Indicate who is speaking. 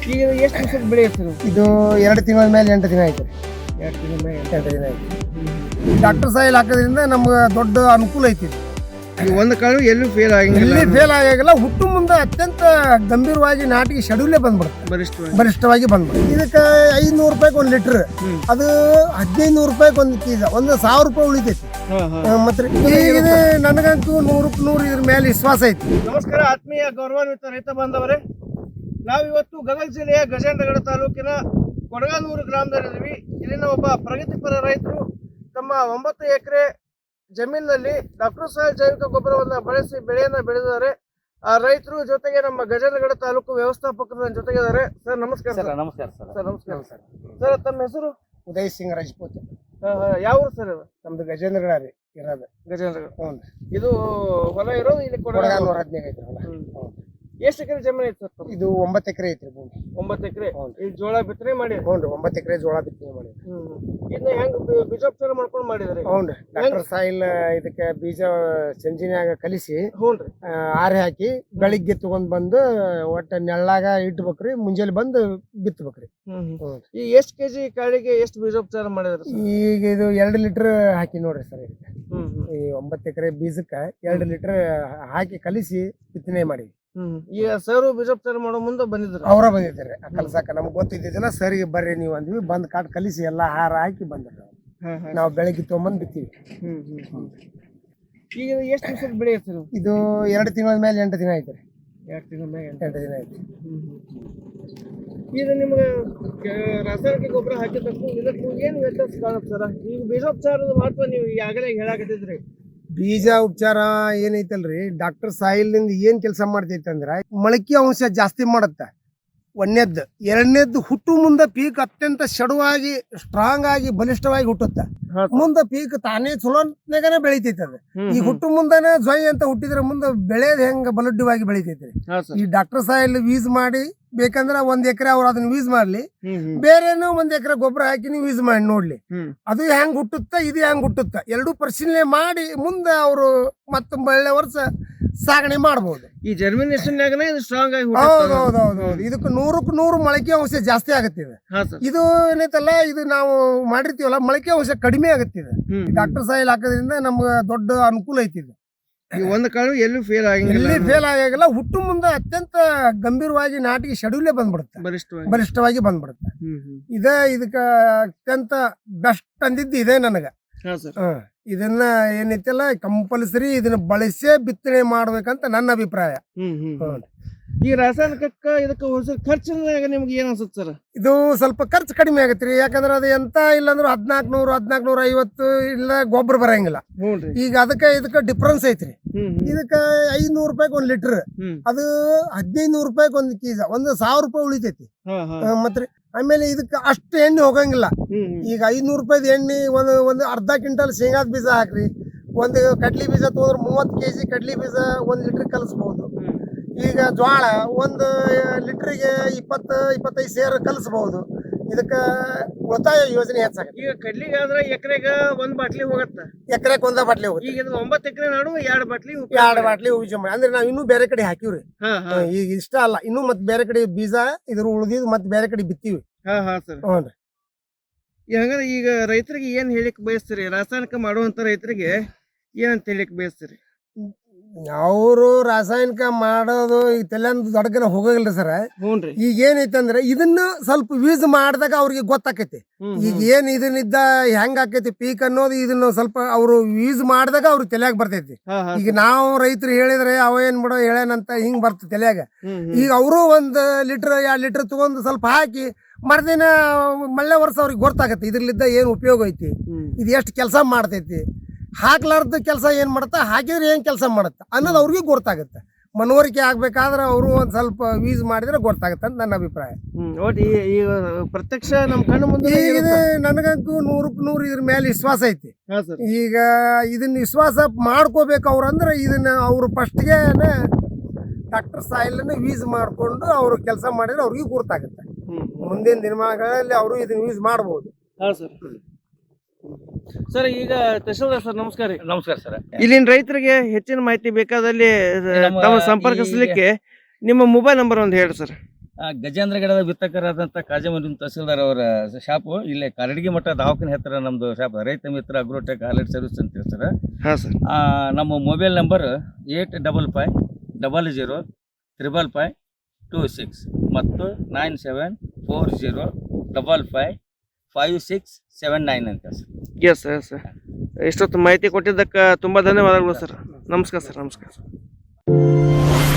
Speaker 1: ಈಗ ಎಷ್ಟು ದಿವಸದ ಬೆಳೆ ಇರ್ತದೆ?
Speaker 2: ಇದು 2 ತಿಂಗಳ ಮೇಲೆ 8 ದಿನ ಆಯ್ತು.
Speaker 1: 2 ತಿಂಗಳ ಮೇಲೆ
Speaker 2: 8 ದಿನ ಆಯ್ತು. ಡಾಕ್ಟರ್ ಸಾಯಿಲ್ ಹಾಕೋದ್ರಿಂದ ನಮ್ಗೆ ದೊಡ್ಡ ಅನುಕೂಲ ಐತಿ.
Speaker 1: ಈ ಒಂದು ಕಾಳು ಎಲ್ಲೂ ಫೇಲ್ ಆಗಿಲ್ಲ,
Speaker 2: ಎಲ್ಲಿ ಫೇಲ್ ಆಗಿಲ್ಲ. ಹುಟ್ಟು ಮುಂದೆ ಅತ್ಯಂತ ಗಂಭೀರವಾಗಿ ನಾಟಿಗೆ ಶೆಡ್ಯೂಲೇ ಬಂದ್ಬಿಡುತ್ತೆ, ಬಲಿಷ್ಠವಾಗಿ ಬಂದ್ಬಿಡುತ್ತೆ. ಇದಕ್ಕೆ 500 ರೂಪಾಯಿಗೆ 1 ಲೀಟರ್, ಅದು 1500 ರೂಪಾಯಿಗೆ 1 ಕೆಜಿ, 1000 ರೂಪಾಯಿ ಉಳಿತೈತಿ. ಮತ್ತೆ ಈಗ ನನಗಂತೂ 100ಕ್ಕೆ 100 ಇದ್ರ ಮೇಲೆ ವಿಶ್ವಾಸ ಐತಿ.
Speaker 1: ನಮಸ್ಕಾರ ಆತ್ಮೀಯ ಗೌರವಾನ್ವಿತ ರೈತ ಬಾಂಧವರೇ, ನಾವಿವತ್ತು ಗದಗ ಜಿಲ್ಲೆಯ ಗಜೇಂದ್ರಗಡ ತಾಲೂಕಿನ ಕೊಡಗಾನೂರು ಗ್ರಾಮದಲ್ಲಿದ್ದೀವಿ. ಇಲ್ಲಿನ ಒಬ್ಬ ಪ್ರಗತಿಪರ ರೈತರು ತಮ್ಮ 9 ಎಕರೆ ಜಮೀನಿನಲ್ಲಿ ಡಾಕ್ಟರ್ ಸಾಯಿಲ್ ಜೈವಿಕ ಗೊಬ್ಬರವನ್ನು ಬಳಸಿ ಬೆಳೆಯನ್ನ ಬೆಳೆದಿದ್ದಾರೆ. ಆ ರೈತರು ಜೊತೆಗೆ ನಮ್ಮ ಗಜೇಂದ್ರಗಡ ತಾಲೂಕು ವ್ಯವಸ್ಥಾಪಕರ ಜೊತೆಗಿದ್ದಾರೆ. ಸರ್ ನಮಸ್ಕಾರ.
Speaker 3: ಸರ್ ನಮಸ್ಕಾರ ಸರ್.
Speaker 1: ಸರ್ ನಮಸ್ಕಾರ ಸರ್. ಸರ್ ತಮ್ಮ ಹೆಸರು?
Speaker 2: ಉದಯ್ ಸಿಂಗ್ ರಾಜಪೂತ್.
Speaker 1: ಯಾವ ಊರು ಸರ್ ಇದು?
Speaker 2: ನಮ್ದು ಗಜೇಂದ್ರಗಡ ರೀ ಇರೋದು.
Speaker 1: ಗಜೇಂದ್ರಗಡ.
Speaker 2: ಹ್ಞೂ.
Speaker 1: ಇದು ಹೊಲ ಇರೋದು ಇಲ್ಲಿ
Speaker 2: ಕೊಡಗಾನೂರು 15 ಐತ್ರಿ ಹೊಲ.
Speaker 1: ಎಷ್ಟು ಎಕರೆ ಜಮೀನು ಐತೆ ಸರ್?
Speaker 2: ಇದು 9 ಎಕರೆ ಐತ್ರಿ ಭೂಮಿ.
Speaker 1: 9 ಎಕರೆ. ಈಗ ಜೋಳ ಬಿತ್ತನೆ ಮಾಡಿ?
Speaker 2: ಹ್ಞೂ ರೀ, 9 ಎಕರೆ ಜೋಳ ಬಿತ್ತನೆ ಮಾಡಿ.
Speaker 1: ಇದನ್ನ ಹೆಂಗ್ ಬೀಜೋಪಚಾರ ಮಾಡ್ಕೊಂಡು ಮಾಡಿದ್ರಿ?
Speaker 2: ಹ್ಞೂ ರೀ, ಡಾಕ್ಟರ್ ಸಾಯಿಲ್ ಇದಕ್ಕೆ ಬೀಜ ಸಂಜಿನ್ಯಾಗ ಕಲಿಸಿ
Speaker 1: ಹ್ಞೂನ್ರಿ
Speaker 2: ಆರೆ ಹಾಕಿ ಬೆಳಿಗ್ಗೆ ತಗೊಂಡ್ ಬಂದು ಒಟ್ಟ ನೆಳ್ಳಾಗ ಇಟ್ಬೇಕ್ರಿ, ಮುಂಜಾನೆ ಬಂದು ಬಿತ್ತಬೇಕ್ರಿ.
Speaker 1: ಈ ಎಷ್ಟು ಕೆಜಿ ಕಾಳಿಗೆ ಎಷ್ಟು ಬೀಜೋಪಚಾರ ಮಾಡಿದ್ರಿ?
Speaker 2: ಈಗ ಇದು 2 ಲೀಟರ್ ಹಾಕಿ ನೋಡ್ರಿ ಸರ್. ಇದಕ್ಕೆ ಈ 9 ಎಕರೆ ಬೀಜಕ್ಕೆ 2 ಲೀಟರ್ ಹಾಕಿ ಕಲಿಸಿ ಬಿತ್ತನೆ ಮಾಡಿ.
Speaker 1: ಈಗ ಸರ್ ಬೀಜೋಪಚಾರ ಮಾಡೋ ಮುಂದೆ ಬಂದಿದ್ರು?
Speaker 2: ಅವರ ಬಂದಿದ್ದಾರೆ ಕಲ್ಸಾಕ. ನಮ್ಗೆ ಗೊತ್ತಿದ್ದಿಲ್ಲ, ಸರಿ ಬರ್ರಿ ನೀವು ಅಂದ್ವಿ. ಬಂದ್ ಕಾಟ್ ಕಲಿಸಿ ಎಲ್ಲಾ ಹಾರ ಹಾಕಿ ಬಂದ್ರು. ನಾವು ಬೆಳಗ್ಗೆ ತೊಗೊಂಬಂದ್ ಬಿತ್ತೀವಿ.
Speaker 1: ಈಗ ಎಷ್ಟು ದಿವಸದ ಬೆಳೆ ಇರ್ತದೆ?
Speaker 2: ಇದು 2 ತಿಂಗಳ ಮೇಲೆ 8 ದಿನ ಆಯ್ತು ರೀ.
Speaker 1: 2 ತಿಂಗಳ ಮೇಲೆ
Speaker 2: 8 ದಿನ ಆಯ್ತು.
Speaker 1: ಈಗ ನಿಮ್ಗೆ ರಾಸಾಯನಿಕ ಗೊಬ್ಬರ ಹಾಕಿದ್ದಕ್ಕೂ ಇದಕ್ಕೂ ಏನು ವ್ಯತ್ಯಾಸ ಕಾಣುತ್ತೆ ಸರ? ಈಗ ಬೀಜೋಪಚಾರದ ಮಹತ್ವ ನೀವು ಈಗಾಗಲೇ ಹೇಳಾಕತ್ತಿದ್ರಿ.
Speaker 2: ಬೀಜ ಉಪಚಾರ ಏನೈತಲ್ರಿ, ಡಾಕ್ಟರ್ ಸಾಯಿಲ್ ನಿಂದ ಏನ್ ಕೆಲಸ ಮಾಡ್ತೈತಿ ಅಂದ್ರ ಮೊಳಕೆ ಅಂಶ ಜಾಸ್ತಿ ಮಾಡತ್ತ. 1ನೇದ್ದು. 2ನೇದ್ದು ಹುಟ್ಟು ಮುಂದೆ ಪೀಕ್ ಅತ್ಯಂತ ಶಡುವಾಗಿ ಸ್ಟ್ರಾಂಗ್ ಆಗಿ ಬಲಿಷ್ಠವಾಗಿ ಹುಟ್ಟುತ್ತ. ಮುಂದೆ ಪೀಕ್ ತಾನೇ ಚಲೋನಾಗನೆ ಬೆಳಿತೈತಿ. ಅದು ಈ ಹುಟ್ಟು ಮುಂದನೆ ಜ್ವಾಯಿ ಅಂತ ಹುಟ್ಟಿದ್ರೆ ಮುಂದೆ ಬೆಳೆಯೋದು ಹೆಂಗ ಬಲಡ್ಡವಾಗಿ ಬೆಳಿತೈತ್ರಿ. ಈ ಡಾಕ್ಟರ್ ಸಾಯಿಲ್ ಯೂಸ್ ಮಾಡಿ ಬೇಕಂದ್ರ 1 ಎಕರೆ ಅವ್ರು ಅದನ್ನ ಯೂಸ್ ಮಾಡ್ಲಿ, ಬೇರೆನೋ 1 ಎಕರೆ ಗೊಬ್ಬರ ಹಾಕಿ ನೀವು ಯೂಸ್ ಮಾಡಿ ನೋಡ್ಲಿ, ಅದು ಹೆಂಗ್ ಹುಟ್ಟುತ್ತ ಇದು ಹೆಂಗ್ ಹುಟ್ಟುತ್ತ ಎರಡೂ ಪರಿಶೀಲನೆ ಮಾಡಿ ಮುಂದೆ ಅವರು ಮತ್ತೆ ಒಳ್ಳೆ ವರ್ಷ ಸಾಗಣೆ ಮಾಡಬಹುದು.
Speaker 1: ಈ ಜರ್ಮಿನೇಷನ್ ಸ್ಟ್ರಾಂಗ್ ಆಗಿ
Speaker 2: ಹೌದೌದೌದು. ಇದಕ್ಕೆ 100ಕ್ಕೆ 100 ಮೊಳಕೆ ಅಂಶ ಜಾಸ್ತಿ ಆಗತ್ತಿದೆ. ಇದು ಏನೈತಲ್ಲ, ಇದು ನಾವು ಮಾಡಿರ್ತೀವಲ್ಲ, ಮೊಳಕೆ ಅಂಶ ಕಡಿಮೆ ಆಗತ್ತಿದೆ. ಡಾಕ್ಟರ್ ಸಾಯಿಲ್ ಹಾಕೋದ್ರಿಂದ ನಮ್ಗೆ ದೊಡ್ಡ ಅನುಕೂಲ ಐತಿ.
Speaker 1: ಈ ಒಂದು ಕಾಳು ಎಲ್ಲೂ ಫೇಲ್ ಆಗಿಲ್ಲ,
Speaker 2: ಎಲ್ಲಿ ಫೇಲ್ ಆಗಿಲ್ಲ. ಹುಟ್ಟು ಮುಂದೆ ಅತ್ಯಂತ ಗಂಭೀರವಾಗಿ ನಾಟಿಗೆ ಶೆಡ್ಯೂಲೇ ಬಂದ್ಬಿಡುತ್ತೆ, ಬಲಿಷ್ಠವಾಗಿ ಬಂದ್ಬಿಡುತ್ತೆ. ಇದಕ್ಕ ಅತ್ಯಂತ ಬೆಸ್ಟ್ ಅಂದಿದ್ದು ಇದೆ ನನಗ. ಇದನ್ನ ಏನೈತಲ್ಲ ಕಂಪಲ್ಸರಿ ಇದನ್ನ ಬಳಸೇ ಬಿತ್ತನೆ ಮಾಡ್ಬೇಕಂತ ನನ್ನ ಅಭಿಪ್ರಾಯ.
Speaker 1: ಈ ರಾಸಾಯನಿಕಕ್ಕ ಇದಕ್ಕೆ ಖರ್ಚಿನಾಗ ನಿಮ್ಗೆ ಏನ್ ಅನ್ಸುತ್ತೆ ಸರ್?
Speaker 2: ಇದು ಸ್ವಲ್ಪ ಖರ್ಚು ಕಡಿಮೆ ಆಗತ್ರಿ. ಯಾಕಂದ್ರೆ ಅದು ಎಂತ ಇಲ್ಲಾಂದ್ರೆ 1400 1450 ಇಲ್ಲ ಗೊಬ್ಬರ ಬರಂಗಿಲ್ಲ. ಈಗ ಇದಕ್ಕೆ ಡಿಫ್ರೆನ್ಸ್ ಐತ್ರಿ. ಇದಕ್ಕೆ 500 ರೂಪಾಯಿಗೆ 1 ಲೀಟರ್, ಅದು 1500 ರೂಪಾಯಿಗೆ 1 ಕೆಜಿ, 1000 ರೂಪಾಯಿ ಉಳಿತೈತಿ. ಮತ್ರಿ ಆಮೇಲೆ ಇದಕ್ಕೆ ಅಷ್ಟು ಎಣ್ಣೆ ಹೋಗಂಗಿಲ್ಲ. ಈಗ 500 ರೂಪಾಯಿದ ಎಣ್ಣೆ ಒಂದು ಅರ್ಧ ಕ್ವಿಂಟಲ್ ಶೇಂಗಾದ ಬೀಜ ಹಾಕ್ರಿ, 1 ಕಡ್ಲಿ ಬೀಜ ತಗೊಂಡ್ರೆ 30 ಕೆಜಿ ಕಡ್ಲಿ ಬೀಜ 1 ಲೀಟರ್ ಕಲಿಸ್ಬಹುದು. ಈಗ ಜೋಳ 1 ಲೀಟರ್ಗೆ 20-25 ಸೇರ್ ಕಲಿಸಬಹುದು. ಇದಕ್ಕ ಉಳಿತಾಯ ಯೋಜನೆ ಹೆಚ್ಚಾಗತ್ತೆ.
Speaker 1: ಈಗ ಕಡ್ಲಿಗೆ ಆದ್ರೆ ಎಕರೆಗ 1 ಬಾಟ್ಲಿ ಹೋಗತ್ತ,
Speaker 2: ಎಕರೆಗೆ 1 ಬಾಟ್ಲಿ ಹೋಗುತ್ತೆ.
Speaker 1: ಈಗ 9 ಎಕರೆ ನಡುವೆ 2 ಬಾಟ್ಲಿ
Speaker 2: ಯೂಸ್ ಮಾಡಿ. ಅಂದ್ರೆ ನಾವ್ ಇನ್ನೂ ಬೇರೆ ಕಡೆ ಹಾಕಿವ್ರಿ. ಈಗ ಇಷ್ಟ ಅಲ್ಲ, ಇನ್ನೂ ಮತ್ತೆ ಬೇರೆ ಕಡೆ ಬೀಜ ಇದ್ರ ಉಳಿದಿದ್ ಮತ್ತೆ ಬೇರೆ ಕಡೆ ಬಿತ್ತೀವಿ. ಹ್ಞೂ.
Speaker 1: ಹಂಗಾದ್ರೆ ಈಗ ರೈತರಿಗೆ ಏನ್ ಹೇಳಿಕ್ ಬಯಸ್ತೀರಿ? ರಾಸಾಯನಿಕ ಮಾಡುವಂತ ರೈತರಿಗೆ ಏನಂತ ಹೇಳಿಕ್ ಬಯಸ್ತೀರಿ?
Speaker 2: ಅವರು ರಾಸಾಯನಿಕ ಮಾಡೋದು ಈಗ ತಲೆಂದು ದೊಡ್ಡಗನ ಹೋಗಲ್ರಿ ಸರ್. ಈಗ ಏನೈತಂದ್ರೆ ಇದನ್ನ ಸ್ವಲ್ಪ ಯೂಸ್ ಮಾಡಿದಾಗ ಅವ್ರಿಗೆ ಗೊತ್ತಾಕೈತಿ. ಈಗ ಏನ್ ಇದನ್ನಿದ್ದ ಹೆಂಗ್ ಆಕೈತಿ ಪೀಕ್ ಅನ್ನೋದು ಇದನ್ನ ಸ್ವಲ್ಪ ಅವ್ರು ಯೂಸ್ ಮಾಡಿದಾಗ ಅವ್ರಿಗೆ ತಲೆಯಾಗ ಬರ್ತೈತಿ. ಈಗ ನಾವು ರೈತರು ಹೇಳಿದ್ರೆ ಅವ ಏನ್ ಬಿಡೋ ಹೇಳೇನಂತ ಹಿಂಗ್ ಬರ್ತದೆ ತಲೆಯಾಗ. ಈಗ ಅವರು 1 ಲೀಟರ್ 2 ಲೀಟರ್ ತಗೊಂಡು ಸ್ವಲ್ಪ ಹಾಕಿ ಮರ್ದಿನ ಮಳ್ಳೆ ವರ್ಷ ಅವ್ರಿಗೆ ಗೊತ್ತಾಗತ್ತೆ ಇದ್ರಲ್ಲಿದ್ದ ಏನ್ ಉಪಯೋಗ ಐತಿ, ಇದು ಎಷ್ಟು ಕೆಲಸ ಮಾಡ್ತೈತಿ, ಹಾಕ್ಲಾರ್ದ ಕೆಲಸ ಏನ್ ಮಾಡುತ್ತ, ಹಾಕಿದ್ರೆ ಏನ್ ಕೆಲಸ ಮಾಡುತ್ತ ಅನ್ನೋದು ಅವ್ರಿಗೆ ಗೊತ್ತಾಗುತ್ತೆ. ಮನವರಿಕೆ ಆಗ್ಬೇಕಾದ್ರೆ ಅವರು ಒಂದ್ ಸ್ವಲ್ಪ ಯೂಸ್ ಮಾಡಿದ್ರೆ ಗೊತ್ತಾಗತ್ತೆ ಅಂತ ನನ್ನ ಅಭಿಪ್ರಾಯ.
Speaker 1: ಈಗ ಪ್ರತ್ಯಕ್ಷ ನಮ್ ಕಣ್ಣು ಮುಂದೆ
Speaker 2: ನನಗಂತೂ 100ಕ್ಕೆ 100 ಇದ್ರ ಮೇಲೆ ವಿಶ್ವಾಸ ಐತಿ. ಈಗ ಇದನ್ನ ವಿಶ್ವಾಸ ಮಾಡ್ಕೋಬೇಕು ಅವ್ರಂದ್ರೆ ಇದನ್ನ ಅವ್ರು ಫಸ್ಟ್ಗೆ ಡಾಕ್ಟರ್ ಸಾಯಿಲ್ ಯೂಸ್ ಮಾಡ್ಕೊಂಡು ಅವ್ರು ಕೆಲಸ ಮಾಡಿದ್ರೆ ಅವ್ರಿಗೆ ಗೊತ್ತಾಗುತ್ತೆ. ಮುಂದಿನ ದಿನಮಾನಗಳಲ್ಲಿ ಅವರು ಇದನ್ನ ಯೂಸ್ ಮಾಡಬಹುದು.
Speaker 1: ಸರ್ ಈಗ ತಹಶೀಲ್ದಾರ್ ಸರ್ ನಮಸ್ಕಾರ.
Speaker 3: ನಮಸ್ಕಾರ ಸರ್.
Speaker 1: ಇಲ್ಲಿನ ರೈತರಿಗೆ ಹೆಚ್ಚಿನ ಮಾಹಿತಿ ಬೇಕಾದಲ್ಲಿ ತಾವು ಸಂಪರ್ಕಿಸಲಿಕ್ಕೆ ನಿಮ್ಮ ಮೊಬೈಲ್ ನಂಬರ್ ಒಂದು ಹೇಳಿ ಸರ್.
Speaker 3: ಗಜೇಂದ್ರ ಗಿಡದ ಬಿತ್ತಕರಾದಂಥ ಕಾಜಮರಿನ್ ತಹಸೀಲ್ದಾರ್ ಅವರ ಶಾಪು ಇಲ್ಲೇ ಕಾರಡಗಿ ಮಠ ದವಾಖಾನೆ ಹತ್ತಿರ ನಮ್ಮದು ಶಾಪ್ ರೈತ ಮಿತ್ರ ಅಗ್ರೋಟೆಕ್ ಹಾಲೆಟ್ ಸರ್ವಿಸ್ ಅಂತ ಹೇಳಿ ಸರ್.
Speaker 1: ಹಾಂ ಸರ್.
Speaker 3: ನಮ್ಮ ಮೊಬೈಲ್ ನಂಬರ್ 85555526 ಮತ್ತು 9740555679 ಅಂತ ಸರ್.
Speaker 1: Yes sir. ಇಷ್ಟೊತ್ತು ಮಾಹಿತಿ ಕೊಟ್ಟಿದ್ದಕ್ಕೆ ತುಂಬ ಧನ್ಯವಾದಗಳು ಸರ್. ನಮಸ್ಕಾರ ಸರ್. ನಮಸ್ಕಾರ.